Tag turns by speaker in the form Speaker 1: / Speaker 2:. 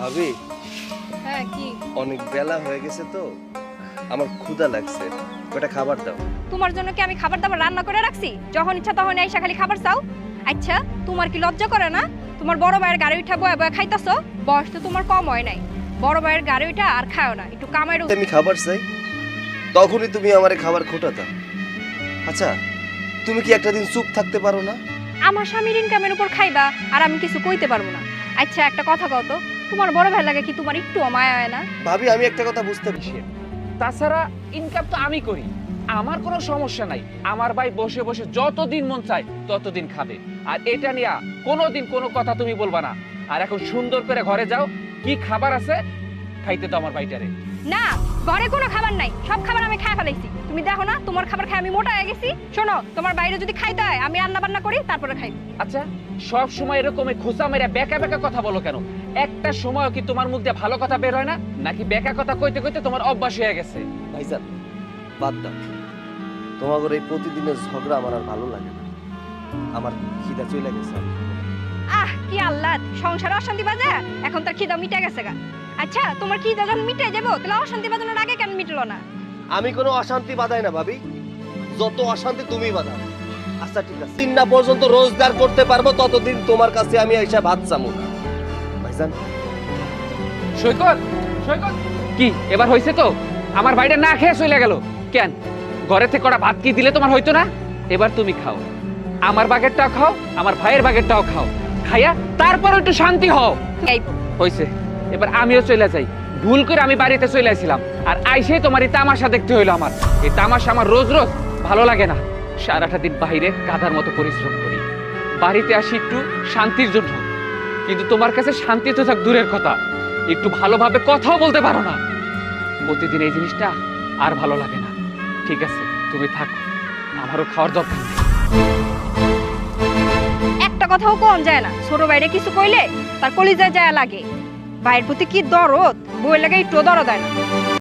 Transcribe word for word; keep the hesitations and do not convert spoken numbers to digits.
Speaker 1: ভাবি
Speaker 2: হ্যাঁ কি
Speaker 1: অনেক বেলা হয়ে গেছে তো আমার ক্ষুধা লাগছে, কয়টা খাবার দাও।
Speaker 2: তোমার জন্য কি আমি খাবার দাবার রান্না করে রাখছি? যখন ইচ্ছা তখন এসে খালি খাবার চাও। আচ্ছা তোমার কি লজ্জা করে না? তোমার বড় ভাইয়ের গাড়ি উঠা বয়া বয়া খাইতাছো। বয়স তো তোমার কম হয় নাই। বড় ভাইয়ের গাড়ি উঠা আর খাও না, একটু কামাই।
Speaker 1: আমি খাবার চাই তখনই তুমি আমারে খাবার খোটাতা। আচ্ছা তুমি কি একটা দিন চুপ থাকতে পারো না?
Speaker 2: আমার স্বামীর ইনকামের উপর খাইবা আর আমি কিছু কইতে পারবো না। আচ্ছা একটা কথা কও তো, তোমার বড় ভাই লাগে কি তোমার একটু মায়া হয় না?
Speaker 1: ভাবি আমি একটা কথা বুঝতে পারছি,
Speaker 3: তাছাড়া ইনকাম তো আমি করি, আমার কোনো সমস্যা নাই। আমার ভাই বসে বসে যতদিন মন চায় ততদিন খাবে, আর এটা নিয়ে কোনোদিন কোনো কথা তুমি বলবা না। আর এখন সুন্দর করে ঘরে যাও, কি খাবার আছে খাইতে তো আমার ভাইটারে।
Speaker 2: না, ঘরে কোনো খাবার নাই, সব খাবার আমি খাই ফেলাইছি। তুমি দেখো না তোমার খাবার খাই আমি মোটা হয়ে গেছি। শোনো, তোমার বাইরে যদি খাইতে হয় আমি রান্না বান্না করি তারপরে খাই।
Speaker 3: আচ্ছা সব সময় এরকম খোঁচা মেরে বেকা বেকা কথা বলো কেন? একটা সময় কি তোমার মুখ দিয়ে ভালো কথা বের হয় না, নাকি বেকা কথা কইতে কইতে তোমার অভ্যাস হয়ে গেছে?
Speaker 1: ভাইজান বাদ দাও, তোমাদের এই প্রতিদিনের ঝগড়া আমার আর ভালো লাগে না। আমার খিদা চলে গেছে।
Speaker 2: আহ কি আল্লাহ, সংসারে অশান্তি বাজে, এখন তার খিদা মিটে গেছে গা। আচ্ছা তোমার খিদা যখন মিটে যাবো তাহলে অশান্তি বাজানোর আগে কেন মিটলো না?
Speaker 1: আমি কোনো অশান্তি বাধাই না ভাবি, যত অশান্তি তুমি বাধাও। আচ্ছা ঠিক আছে, দিন না পর্যন্ত রোজগার করতে পারবো ততদিন তোমার কাছে আমি এসে ভাত চামু না। ভাইজান
Speaker 3: সৈকত, সৈকত কি এবার হইছে তো? আমার ভাইটা না খেয়ে চলে গেল কেন? ঘরে থেকে কটা ভাত কি দিলে তোমার হইতো না? এবার তুমি খাও, আমার বাগেরটাও খাও, আমার ভাইয়ের বাগেরটাও খাও, খাইয়া তারপর একটু শান্তি হও।
Speaker 2: এই
Speaker 3: হইছে, এবার আমিও চলে যাই। ভুল করে আমি বাড়িতে চলে আসছিলাম, আর আইসে তোমার এই তামাশা দেখতে হইলো। আমার এই তামাশা আমার রোজ রোজ ভালো লাগে না। সারাটা দিন বাইরে গাধার মতো পরিশ্রম করি, বাড়িতে আসি একটু শান্তির জন্য, কিন্তু তোমার কাছে শান্তি তো থাক দূরের কথা, একটু ভালোভাবে কথাও বলতে পারো না। প্রতিদিন এই জিনিসটা আর ভালো লাগে না। ঠিক আছে তুমি থাকো, আমারও খাওয়ার দরকার নেই।
Speaker 2: একটা কথাও কম যায় না, ছোট বাইরে কিছু কইলে তার কলিজায় যায় লাগে। ভাইয়ের প্রতি কি দরদ, বই লাগে একটু দরদ দেয় না।